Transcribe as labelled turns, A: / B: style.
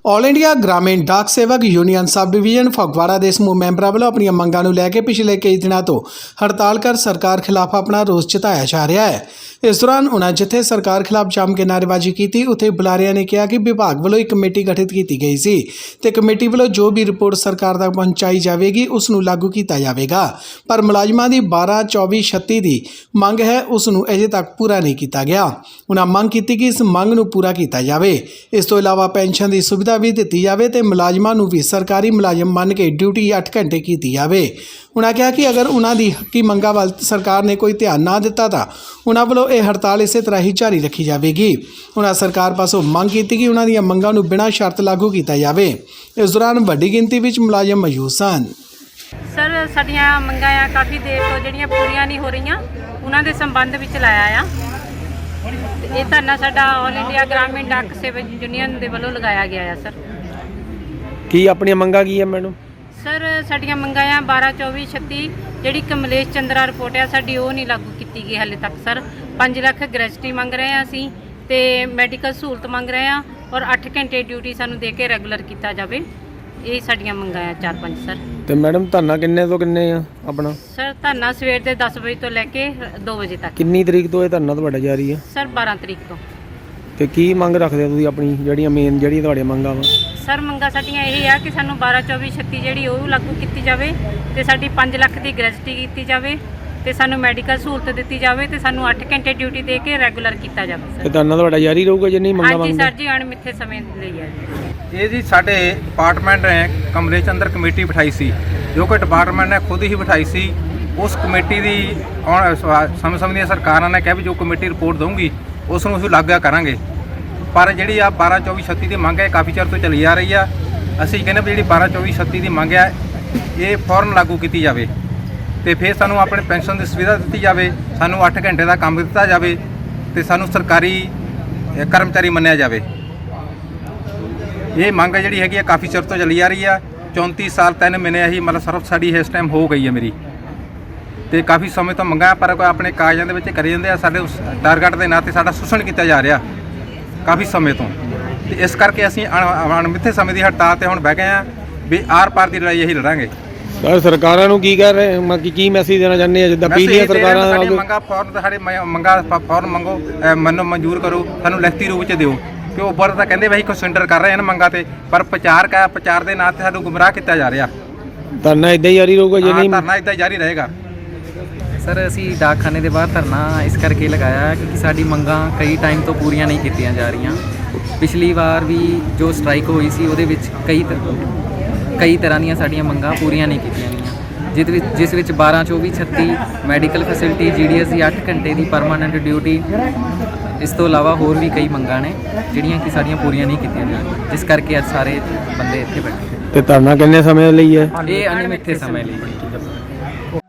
A: All India ਗ੍ਰਾਮੀਣ ਡਾਕ ਸੇਵਕ union sub division Phagwara ਦੇ ਸਮੂਹ ਮੈਂਬਰਾਂ ਵੱਲੋਂ ਆਪਣੀਆਂ ਮੰਗਾਂ ਨੂੰ ਲੈ ਕੇ ਪਿਛਲੇ ਕਈ ਦਿਨਾਂ ਤੋਂ ਹੜਤਾਲ ਕਰ ਸਰਕਾਰ ਖਿਲਾਫ ਆਪਣਾ ਰੋਸ ਜਤਾਇਆ ਜਾ ਰਿਹਾ ਹੈ। ਇਸ ਦੌਰਾਨ ਉਨ੍ਹਾਂ ਜਿੱਥੇ ਸਰਕਾਰ ਖਿਲਾਫ ਜੰਮ ਕੇ ਨਾਅਰੇਬਾਜ਼ੀ ਕੀਤੀ, ਉੱਥੇ ਬੁਲਾਰਿਆਂ ਨੇ ਕਿਹਾ ਕਿ ਵਿਭਾਗ ਵੱਲੋਂ ਇੱਕ ਕਮੇਟੀ ਗਠਿਤ ਕੀਤੀ ਗਈ ਸੀ ਤੇ ਕਮੇਟੀ ਵੱਲੋਂ ਜੋ ਵੀ ਰਿਪੋਰਟ ਸਰਕਾਰ ਤੱਕ ਪਹੁੰਚਾਈ ਜਾਵੇਗੀ ਉਸ ਨੂੰ ਲਾਗੂ ਕੀਤਾ ਜਾਵੇਗਾ, ਪਰ ਮੁਲਾਜ਼ਮਾਂ ਦੀ 12, 24, 36 ਦੀ ਮੰਗ ਹੈ ਉਸ ਨੂੰ ਅਜੇ ਤੱਕ ਪੂਰਾ ਨਹੀਂ ਕੀਤਾ ਗਿਆ। ਉਨ੍ਹਾਂ ਮੰਗ ਕੀਤੀ ਕਿ ਇਸ ਮੰਗ ਨੂੰ ਪੂਰਾ ਕੀਤਾ ਜਾਵੇ। ਇਸ ਤੋਂ ਇਲਾਵਾ ਪੈਨਸ਼ਨ ਦੀ ਸੁਵਿਧਾ ਵੀ ਦਿੱਤੀ ਜਾਵੇ ਤੇ ਮੁਲਾਜ਼ਮਾਂ ਨੂੰ ਵੀ ਸਰਕਾਰੀ ਮੁਲਾਜ਼ਮ ਮੰਨ ਕੇ ਡਿਊਟੀ 8 ਘੰਟੇ ਕੀਤੀ ਜਾਵੇ। ਉਨ੍ਹਾਂ ਕਿਹਾ ਕਿ ਅਗਰ ਉਨ੍ਹਾਂ ਦੀ ਹੱਕੀ ਮੰਗਾਂ ਵੱਲ ਸਰਕਾਰ ਨੇ ਕੋਈ ਧਿਆਨ ਨਾ ਦਿੱਤਾ ਤਾਂ ਉਨ੍ਹਾਂ ਵੱਲੋਂ ਇਹ ਹੜਤਾਲ ਇਸੇ ਤਰ੍ਹਾਂ ਹੀ ਜਾਰੀ ਰੱਖੀ ਜਾਵੇਗੀ। ਉਨ੍ਹਾਂ ਸਰਕਾਰ ਪਾਸੋਂ ਮੰਗ ਕੀਤੀ ਕਿ ਉਨ੍ਹਾਂ ਦੀਆਂ ਮੰਗਾਂ ਨੂੰ ਬਿਨਾਂ ਸ਼ਰਤ ਲਾਗੂ ਕੀਤਾ ਜਾਵੇ। ਇਸ ਦੌਰਾਨ ਵੱਡੀ ਗਿਣਤੀ ਵਿੱਚ ਮੁਲਾਜ਼ਮ ਮੌਜੂਦ ਸਨ।
B: ਸਰ, ਸਾਡੀਆਂ ਮੰਗਾਂ ਆ ਕਾਫੀ ਦੇਰ ਤੋਂ ਜਿਹੜੀਆਂ ਪੂਰੀਆਂ ਨਹੀਂ ਹੋ ਰਹੀਆਂ, ਉਹਨਾਂ ਦੇ ਸੰਬੰਧ ਵਿੱਚ ਲਾਇਆ ਆ। ਇਹ ਧਰਨਾ ਸਾਡਾ ਆਲ ਇੰਡੀਆ ਗ੍ਰਾਮੀਣ ਡਾਕ ਸੇਵਕ ਯੂਨੀਅਨ ਦੇ ਵੱਲੋਂ ਲਗਾਇਆ ਗਿਆ ਆ। ਸਰ,
C: ਕੀ ਆਪਣੀਆਂ ਮੰਗਾਂ ਕੀ ਆ ਮੈਡਮ?
B: ਸਰ, ਸਾਡੀਆਂ ਮੰਗਾਂ ਆ 12, 24, 36 ਜਿਹੜੀ ਕਮਲੇਸ਼ ਚੰਦਰਾ ਰਿਪੋਰਟ ਆ ਸਾਡੀ ਉਹ ਨਹੀਂ ਲਾਗੂ ਕੀਤੀ ਗਈ ਹਾਲੇ ਤੱਕ। ਸਰ, 5 ਲੱਖ ਗ੍ਰੈਜੂਟੀ ਮੰਗ ਰਹੇ ਆ ਅਸੀਂ ਤੇ ਮੈਡੀਕਲ ਸਹੂਲਤ ਮੰਗ ਰਹੇ ਆ ਔਰ 8 ਘੰਟੇ ਡਿਊਟੀ ਸਾਨੂੰ ਦੇ ਕੇ ਰੈਗੂਲਰ ਕੀਤਾ ਜਾਵੇ। ਇਹ ਸਾਡੀਆਂ ਮੰਗਾਂ ਆ 4-5 ਸਰ।
C: ਤੇ ਮੈਡਮ ਧਰਨਾ ਕਿੰਨੇ ਤੋਂ ਕਿੰਨੇ ਆ ਆਪਣਾ?
B: ਸਰ, ਧਰਨਾ ਸਵੇਰ ਦੇ 10 ਵਜੇ ਤੋਂ ਲੈ ਕੇ 2 ਵਜੇ ਤੱਕ।
C: ਕਿੰਨੀ ਤਰੀਕ ਤੋਂ ਇਹ ਧਰਨਾ ਤੁਹਾਡਾ ਜਾਰੀ ਆ?
B: ਸਰ, 12 ਤਰੀਕ ਤੋਂ।
C: ਤੇ ਕੀ ਮੰਗ ਰੱਖਦੇ ਹੋ ਤੁਸੀਂ ਆਪਣੀ ਜਿਹੜੀਆਂ ਮੇਨ ਜਿਹੜੀਆਂ ਤੁਹਾਡੀਆਂ ਮੰਗਾਂ ਵਾ?
B: ਸਰ, ਮੰਗਾਂ ਸਾਡੀਆਂ ਇਹ ਆ ਕਿ ਸਾਨੂੰ 12, 24, 36 ਜਿਹੜੀ ਉਹ ਲਾਗੂ ਕੀਤੀ ਜਾਵੇ ਤੇ ਸਾਡੀ 5 ਲੱਖ ਦੀ ਗ੍ਰੈਜੂਟੀ ਕੀਤੀ ਜਾਵੇ ਤੇ ਸਾਨੂੰ ਮੈਡੀਕਲ ਸਹੂਲਤ ਦਿੱਤੀ ਜਾਵੇ ਤੇ ਸਾਨੂੰ 8 ਘੰਟੇ ਡਿਊਟੀ ਦੇ ਕੇ ਰੈਗੂਲਰ ਕੀਤਾ ਜਾਵੇ।
C: ਤੇ ਧਰਨਾ ਤੁਹਾਡਾ ਜਾਰੀ ਰਹੂਗਾ ਜੇ ਨਹੀਂ ਮੰਗਾਂ
B: ਹਾਂਜੀ
C: ਮੰਗਦੇ?
B: ਸਰ ਜੀ, ਅਣਮਿੱਥੇ ਸਮੇਂ ਲਈ ਹੈ
D: ਇਹ ਜੀ ਸਾਡੇ ਡਿਪਾਰਟਮੈਂਟ ਨੇ ਕਮਲੇਸ਼ ਅੰਦਰ ਕਮੇਟੀ ਬਿਠਾਈ ਸੀ, ਜੋ ਕਿ ਡਿਪਾਰਟਮੈਂਟ ਨੇ ਖੁਦ ਹੀ ਬਿਠਾਈ ਸੀ। ਉਸ ਕਮੇਟੀ ਦੀ ਸਮੇਂ ਦੀਆਂ ਸਰਕਾਰਾਂ ਨੇ ਕਿਹਾ ਵੀ ਜੋ ਕਮੇਟੀ ਰਿਪੋਰਟ ਦਊਗੀ ਉਸ ਨੂੰ ਅਸੀਂ ਲਾਗੂ ਕਰਾਂਗੇ। ਪਰ ਜਿਹੜੀ ਆ 12, 24, 36 ਦੀ ਮੰਗ ਹੈ ਕਾਫੀ ਚਿਰ ਤੋਂ ਚੱਲੀ ਆ ਰਹੀ ਆ। ਅਸੀਂ ਕਹਿੰਦੇ ਵੀ ਜਿਹੜੀ 12, 24, 36 ਦੀ ਮੰਗ ਹੈ ਇਹ ਫੌਰਨ ਲਾਗੂ ਕੀਤੀ ਜਾਵੇ ਤੇ ਫਿਰ ਸਾਨੂੰ ਆਪਣੇ ਪੈਨਸ਼ਨ ਦੀ ਸੁਵਿਧਾ ਦਿੱਤੀ ਜਾਵੇ, ਸਾਨੂੰ 8 ਘੰਟੇ ਦਾ ਕੰਮ ਦਿੱਤਾ ਜਾਵੇ ਤੇ ਸਾਨੂੰ ਸਰਕਾਰੀ ਕਰਮਚਾਰੀ ਮੰਨਿਆ ਜਾਵੇ। ਇਹ ਮੰਗ ਜਿਹੜੀ ਹੈਗੀ ਆ ਕਾਫੀ ਚਿਰ ਤੋਂ ਚੱਲੀ ਆ ਰਹੀ ਆ। 34 ਸਾਲ 3 ਮਹੀਨੇ ਇਹੀ ਮਤਲਬ ਸਰਵ ਸਾਡੀ ਇਸ ਟਾਈਮ ਹੋ ਗਈ ਹੈ ਮੇਰੀ ਤੇ ਕਾਫੀ ਸਮੇਂ ਤੋਂ ਮੰਗਾਂ ਪਰ ਕੋਈ ਆਪਣੇ ਕਾਗਜ਼ਾਂ ਦੇ ਵਿੱਚ ਕਰੀ ਜਾਂਦੇ ਆ। ਸਾਡੇ ਉਸ ਟਾਰਗੇਟ ਦੇ ਨਾਂ 'ਤੇ ਸਾਡਾ ਸ਼ੋਸ਼ਣ ਕੀਤਾ ਜਾ ਰਿਹਾ ਕਾਫੀ ਸਮੇਂ ਤੋਂ ਤੇ ਇਸ ਕਰਕੇ ਅਸੀਂ ਅਣਮਿੱਥੇ ਸਮੇਂ ਦੀ ਹੜਤਾਲ ਤੇ ਹੁਣ ਬਹਿ ਗਏ ਆ ਵੀ ਆਰ-ਪਾਰ ਦੀ ਲੜਾਈ ਇਹੀ ਲੜਾਂਗੇ।
C: ਸਰ, ਸਰਕਾਰਾਂ ਨੂੰ ਕੀ ਕਹਿ ਰਹੇ, ਕੀ ਮੈਸੇਜ ਦੇਣਾ ਚਾਹੁੰਦੇ ਆ? ਜਿੱਦਾਂ ਪਿਛਲੀਆਂ ਸਰਕਾਰਾਂ
D: ਸਾਡੀ ਮੰਗਾਂ ਫੌਰਨ ਸਾਡੇ ਮੰਗਾਂ ਫੌਰਨ ਮੰਗੋ, ਮੈਨੂੰ ਮਨਜ਼ੂਰ ਕਰੋ, ਸਾਨੂੰ ਲਿਖਤੀ ਰੂਪ 'ਚ ਦਿਓ ਕਿ ਉਹ ਉੱਪਰ ਤਾਂ ਕਹਿੰਦੇ ਵੀ ਕੰਸਿਡਰ ਕਰ ਰਹੇ ਹਨ ਮੰਗਾਂ ਤੇ, ਪਰ ਪ੍ਰਚਾਰ ਦੇ ਨਾਂ 'ਤੇ ਸਾਨੂੰ ਗੁੰਮਰਾਹ ਕੀਤਾ ਜਾ ਰਿਹਾ।
C: ਧਰਨਾ ਇਦਾਂ ਹੀ ਜਾਰੀ ਰਹੂਗਾ ਜੇ ਨਹੀਂ?
D: ਧਰਨਾ ਇਦਾਂ ਜਾਰੀ ਰਹੇਗਾ।
E: ਸਰ, ਅਸੀਂ ਡਾਕਖਾਨੇ ਦੇ ਬਾਹਰ ਧਰਨਾ ਇਸ ਕਰਕੇ ਲਗਾਇਆ ਕਿਉਂਕਿ ਸਾਡੀ ਮੰਗਾਂ ਕਈ ਟਾਈਮ ਤੋਂ ਪੂਰੀਆਂ ਨਹੀਂ ਕੀਤੀਆਂ ਜਾ ਰਹੀਆਂ। ਪਿਛਲੀ ਵਾਰ ਵੀ ਜੋ ਸਟ੍ਰਾਈਕ ਹੋਈ ਸੀ ਉਹਦੇ ਵਿੱਚ ਕਈ ਤਰ੍ਹਾਂ ਦੀਆਂ ਸਾਡੀਆਂ ਮੰਗਾਂ ਪੂਰੀਆਂ ਨਹੀਂ ਕੀਤੀਆਂ ਗਈਆਂ, ਜਿਸ ਵਿੱਚ 12, 24, 36 ਮੈਡੀਕਲ ਫੈਸਿਲਿਟੀ, GDS ਦੀ 8 ਘੰਟੇ ਦੀ ਪਰਮਾਨੈਂਟ ਡਿਊਟੀ, ਇਸ ਤੋਂ ਇਲਾਵਾ ਹੋਰ ਵੀ ਕਈ ਮੰਗਾਂ ਨੇ ਜਿਹੜੀਆਂ ਕਿ ਸਾਡੀਆਂ ਪੂਰੀਆਂ ਨਹੀਂ ਕੀਤੀਆਂ ਜਾ ਰਹੀਆਂ, ਜਿਸ ਕਰਕੇ ਅੱਜ ਸਾਰੇ ਬੰਦੇ ਇੱਥੇ ਬੈਠੇ।
C: ਤੇ ਧਰਨਾ ਕਿੰਨੇ ਸਮੇਂ ਲਈ ਹੈ?
E: ਇਹ ਅਣਮਿੱਥੇ ਸਮੇਂ ਲਈ।